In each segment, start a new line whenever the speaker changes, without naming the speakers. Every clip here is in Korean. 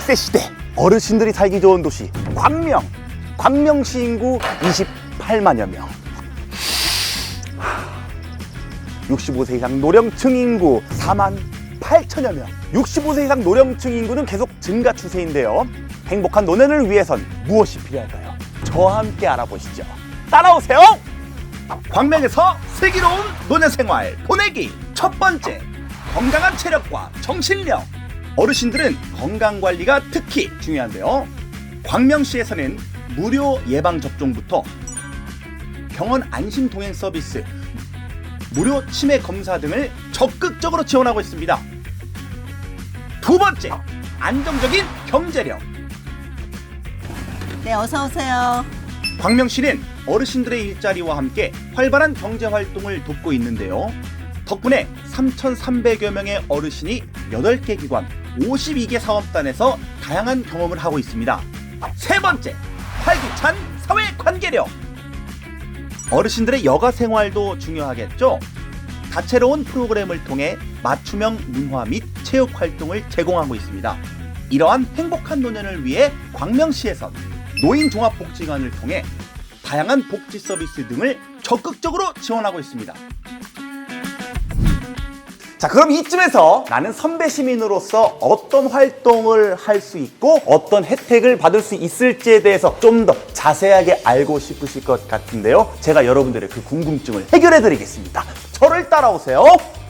100세 시대 어르신들이 살기 좋은 도시 광명시 인구 28만여 명, 65세 이상 노령층 인구 4만 8천여 명. 65세 이상 노령층 인구는 계속 증가 추세인데요. 행복한 노년을 위해선 무엇이 필요할까요? 저와 함께 알아보시죠. 따라오세요. 광명에서 슬기로운 노년 생활 보내기. 첫 번째, 건강한 체력과 정신력. 어르신들은 건강관리가 특히 중요한데요. 광명시에서는 무료 예방접종부터 병원 안심 동행 서비스, 무료 치매 검사 등을 적극적으로 지원하고 있습니다. 두 번째, 안정적인 경제력.
네, 어서 오세요.
광명시는 어르신들의 일자리와 함께 활발한 경제활동을 돕고 있는데요. 덕분에 3,300여 명의 어르신이 8개 기관, 52개 사업단에서 다양한 경험을 하고 있습니다. 세 번째, 활기찬 사회관계력. 어르신들의 여가 생활도 중요하겠죠. 다채로운 프로그램을 통해 맞춤형 문화 및 체육 활동을 제공하고 있습니다. 이러한 행복한 노년을 위해 광명시에선 노인종합복지관을 통해 다양한 복지 서비스 등을 적극적으로 지원하고 있습니다. 자, 그럼 이쯤에서 나는 선배 시민으로서 어떤 활동을 할 수 있고 어떤 혜택을 받을 수 있을지에 대해서 좀 더 자세하게 알고 싶으실 것 같은데요. 제가 여러분들의 그 궁금증을 해결해 드리겠습니다. 저를 따라오세요.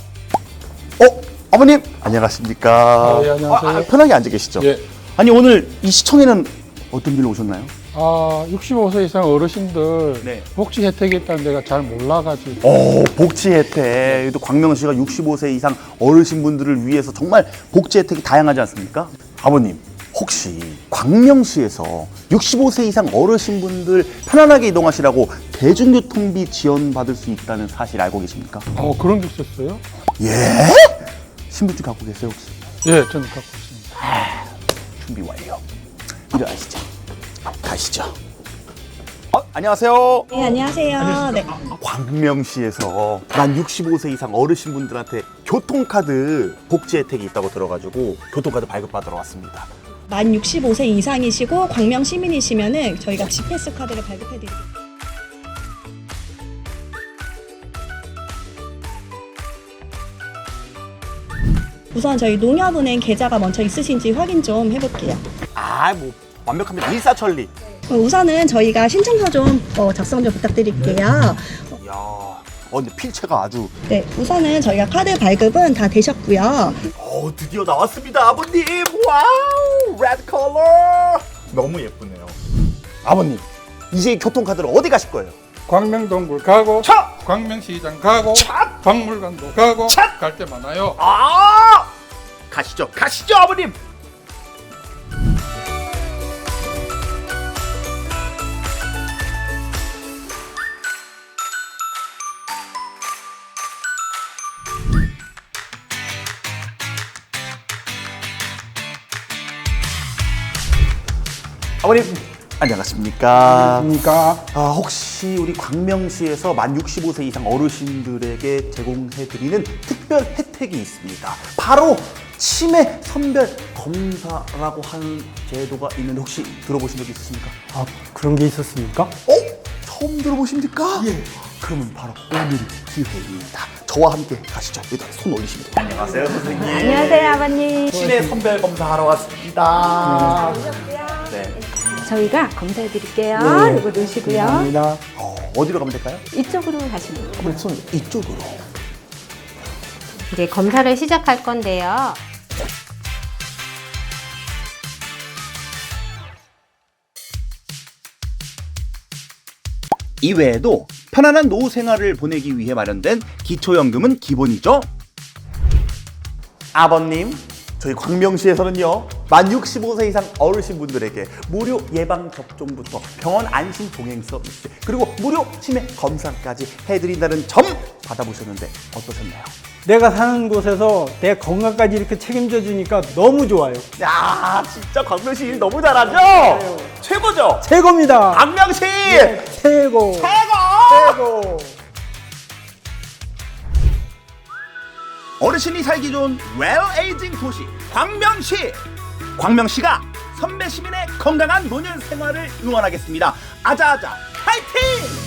아버님 안녕하십니까?
네, 안녕하세요.
편하게 앉아 계시죠?
예.
아니, 오늘 이 시청에는 어떤 일로 오셨나요?
65세 이상 어르신들
네.
복지 혜택이 있다는 데가 잘 몰라가지고.
복지 혜택. 또 광명시가 65세 이상 어르신분들을 위해서 정말 복지 혜택이 다양하지 않습니까? 아버님, 혹시 광명시에서 65세 이상 어르신분들 편안하게 이동하시라고 대중교통비 지원받을 수 있다는 사실 알고 계십니까?
그런 게 있었어요?
예? 신분증 갖고 계세요, 혹시?
예, 저는 갖고 있습니다.
준비 완료. 일어나시죠. 가시죠. 안녕하세요.
네, 안녕하세요. 네.
광명시에서 만 65세 이상 어르신분들한테 교통카드 복지 혜택이 있다고 들어가지고 교통카드 발급받으러 왔습니다.
만 65세 이상이시고 광명 시민이시면은 저희가 G패스 카드를 발급해드릴게요. 우선 저희 농협은행 계좌가 먼저 있으신지 확인 좀 해볼게요.
뭐 완벽합니다. 일사천리.
우선은 저희가 신청서 좀 작성 좀 부탁드릴게요.
이야, 근데 필체가 아주.
네, 우선은 저희가 카드 발급은 다 되셨고요.
드디어 나왔습니다, 아버님. 와우, 레드 컬러. 너무 예쁘네요. 아버님, 이제 교통카드로 어디 가실 거예요?
광명동굴 가고,
차!
광명시장 가고,
차!
박물관도 가고,
차!
갈 데 많아요.
가시죠, 아버님. 아버님 안녕하십니까?
그러니까
혹시 우리 광명시에서 만 65세 이상 어르신들에게 제공해드리는 특별 혜택이 있습니다. 바로 치매 선별 검사라고 하는 제도가 있는데 혹시 들어보신 적 있으십니까?
그런 게 있었습니까?
처음 들어보십니까? 예. 그러면 바로 오늘 기회입니다. 저와 함께 가시죠. 일단 손 올리시면 돼요. 안녕하세요, 선생님.
안녕하세요, 아버님.
치매 선별 검사하러 왔습니다. 네.
저희가 검사해 드릴게요.
네.
이거 넣으시고요.
감사합니다.
어디로 가면 될까요?
이쪽으로 가시면 돼요.
손 이쪽으로.
이제 검사를 시작할 건데요.
이외에도 편안한 노후 생활을 보내기 위해 마련된 기초연금은 기본이죠. 아버님, 저희 광명시에서는요, 만 65세 이상 어르신분들에게 무료 예방접종부터 병원 안심 동행 서비스, 그리고 무료 치매 검사까지 해드린다는 점 받아보셨는데 어떠셨나요?
내가 사는 곳에서 내 건강까지 이렇게 책임져 주니까 너무 좋아요.
야, 진짜 광명시 일 너무 잘하죠? 최고죠?
최고입니다.
광명시!
최고. 최고.
어르신이 살기 좋은 웰에이징 도시 광명시. 광명시가 선배 시민의 건강한 노년 생활을 응원하겠습니다. 아자아자 파이팅!